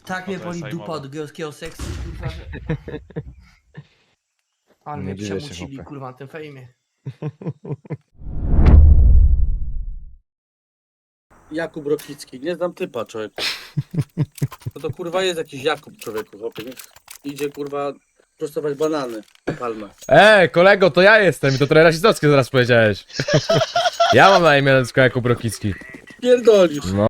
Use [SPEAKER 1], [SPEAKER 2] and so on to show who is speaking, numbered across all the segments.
[SPEAKER 1] Tak mnie
[SPEAKER 2] to jest
[SPEAKER 1] boli dupa
[SPEAKER 2] sejmowe.
[SPEAKER 1] od gejowskiego seksu, kurwa, że... Ale
[SPEAKER 3] Nie
[SPEAKER 1] mnie
[SPEAKER 3] dziwię się,
[SPEAKER 1] przemusili,
[SPEAKER 3] chłopie.
[SPEAKER 1] kurwa, na tym fejmie.
[SPEAKER 4] Jakub Rokicki, nie znam typa, człowieku. No to kurwa jest jakiś Jakub, człowieku, chłopie. Niech idzie kurwa prostować banany, palmę.
[SPEAKER 3] Kolego, to ja jestem i to trochę rasistowskie zaraz powiedziałeś. Ja mam na imię nazwisko Jakub Rokicki.
[SPEAKER 4] Pierdolisz.
[SPEAKER 3] No.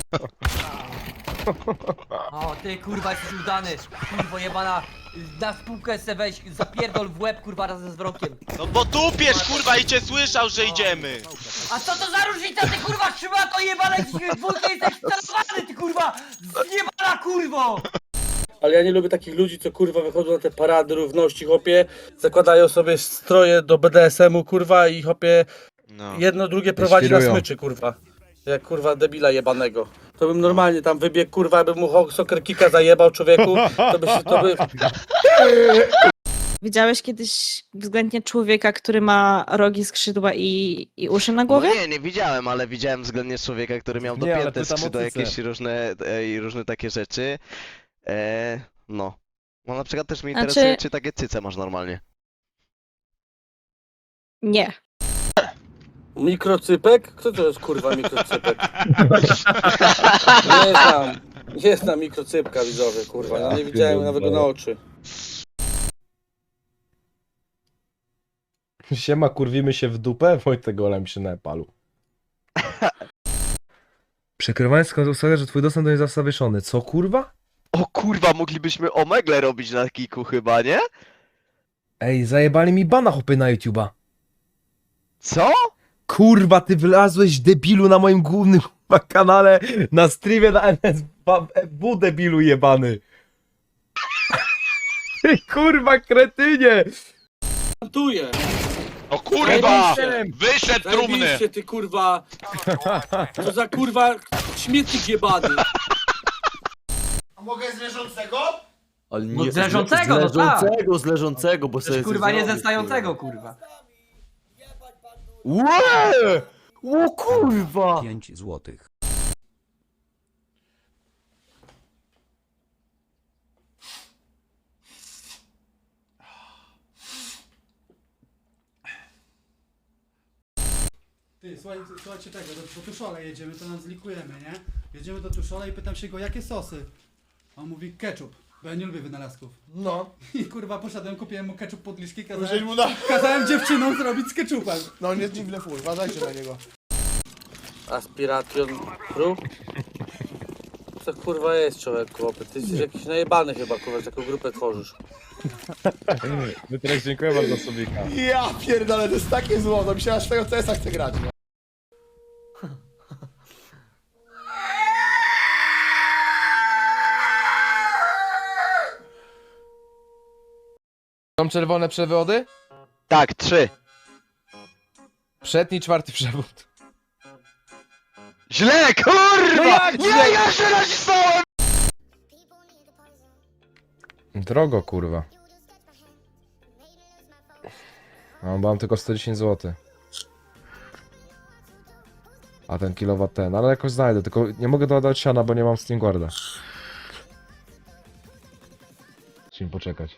[SPEAKER 1] O, ty kurwa jesteś udany, kurwo jebana. Na spółkę se weź, zapierdol w łeb, kurwa, razem z wrokiem.
[SPEAKER 2] No bo tupiesz, kurwa, i cię słyszał, że idziemy!
[SPEAKER 1] A co to za różnica, ty kurwa, trzyma to jebane, dwójkę jesteś celowany, ty kurwa! Zjebana kurwo!
[SPEAKER 4] Ale ja nie lubię takich ludzi, co kurwa wychodzą na te parady równości, chłopie. Zakładają sobie stroje do BDSM-u, kurwa, i chłopie
[SPEAKER 2] No.
[SPEAKER 4] jedno drugie prowadzi na
[SPEAKER 3] świrują.
[SPEAKER 4] smyczy, kurwa. Jak kurwa debila jebanego. To bym normalnie tam wybiegł, kurwa, bym mu soccer kicka zajebał, człowieku. To by...
[SPEAKER 5] Widziałeś kiedyś względnie człowieka, który ma rogi, skrzydła i uszy na głowie?
[SPEAKER 6] No nie widziałem, ale widziałem względnie człowieka, który miał
[SPEAKER 3] Nie, ale
[SPEAKER 6] dopięte
[SPEAKER 3] pytam o
[SPEAKER 6] skrzydła,
[SPEAKER 3] cycę.
[SPEAKER 6] jakieś różne takie rzeczy. No. No na przykład też mnie
[SPEAKER 5] Znaczy-
[SPEAKER 6] interesuje, czy takie cyce masz normalnie.
[SPEAKER 5] Nie.
[SPEAKER 4] Mikrocypek? Kto to jest kurwa mikrocypek? Nie znam mikrocypka, widzowie, kurwa. Ja nie widziałem nawet go na oczy.
[SPEAKER 3] Siema, kurwimy się w dupę? Wojtek golem się na palu. Przekrywanie skąd ustalę, że twój dostęp do niej został zawieszony. Co, kurwa?
[SPEAKER 6] O kurwa, moglibyśmy omegle robić na kiku chyba, nie?
[SPEAKER 3] Ej, zajebali mi bana hopy na YouTube'a.
[SPEAKER 6] Co?
[SPEAKER 3] Kurwa, ty wylazłeś debilu na moim głównym kurwa, kanale na streamie na NSW, debilu jebany. Ty kurwa kretynie.
[SPEAKER 4] Plantuję!
[SPEAKER 2] O kurwa!
[SPEAKER 4] Zajebiście.
[SPEAKER 2] Wyszedł trumny!
[SPEAKER 4] Zajebiście, ty kurwa! To za kurwa śmietnik jebany!
[SPEAKER 7] Ale
[SPEAKER 1] No z leżącego, no tak.
[SPEAKER 7] z leżącego, bo sobie
[SPEAKER 1] Przecież kurwa nie ze
[SPEAKER 7] zrobisz,
[SPEAKER 1] stającego, kurwa.
[SPEAKER 7] Łe! O kurwa!
[SPEAKER 8] 5 złotych.
[SPEAKER 9] Ty, słuchajcie tego, do Tuszola jedziemy, to nam zlikujemy, nie? Jedziemy do Tuszola i pytam się go, jakie sosy? A on mówi ketchup, bo ja nie lubię wynalazków.
[SPEAKER 7] No,
[SPEAKER 9] I kurwa poszedłem, kupiłem mu ketchup pod liszki,
[SPEAKER 7] użyj mu na...
[SPEAKER 9] kazałem dziewczynom zrobić z ketchupem.
[SPEAKER 7] No nie dziwne fuj, uważajcie na niego.
[SPEAKER 4] Aspiration Pro? Co kurwa jest, człowieku, chłopie? Ty jesteś jakiś najebany chyba, kurwa, że taką grupę tworzysz.
[SPEAKER 3] My teraz dziękuję bardzo Sobika.
[SPEAKER 7] Ja pierdolę, to jest takie złoto, mi się aż tego CS-a chce grać, nie?
[SPEAKER 3] Są czerwone przewody?
[SPEAKER 6] Tak, 3.
[SPEAKER 3] Przedni, czwarty przewód.
[SPEAKER 6] Źle, kurwa!
[SPEAKER 3] No jak
[SPEAKER 6] nie,
[SPEAKER 3] źle?
[SPEAKER 6] ja się nacisnąłem!
[SPEAKER 3] Drogo, kurwa. No, bo mam tylko 110 zł. A ten kilowat ten, ale jakoś znajdę, tylko nie mogę dodać siana, bo nie mam Steam Guarda. Musimy poczekać.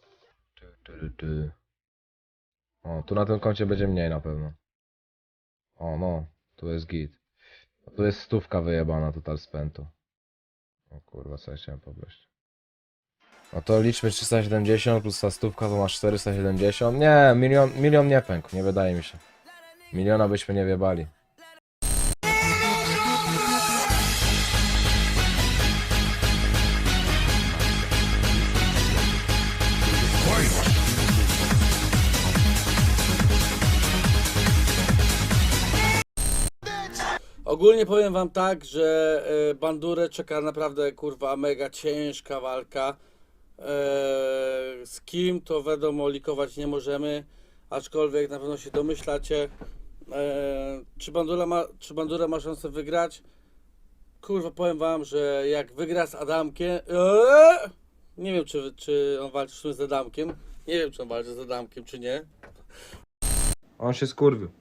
[SPEAKER 3] O, tu na tym koncie będzie mniej na pewno. O, no, tu jest git. Tu jest stówka wyjebana total spętu. O kurwa, co ja chciałem pobleść. No to liczmy 370 plus ta stówka to masz 470. Nie, milion nie pękł, nie wydaje mi się. Miliona byśmy nie wiebali.
[SPEAKER 4] Ogólnie powiem wam tak, że Bandurę czeka naprawdę kurwa mega ciężka walka. Z kim to wiadomo likować nie możemy, aczkolwiek na pewno się domyślacie. Czy Bandura ma szansę wygrać? Kurwa powiem wam, że jak wygra z Adamkiem, nie wiem czy on walczy z Adamkiem, nie wiem czy on walczy z Adamkiem czy nie.
[SPEAKER 3] On się skurwił.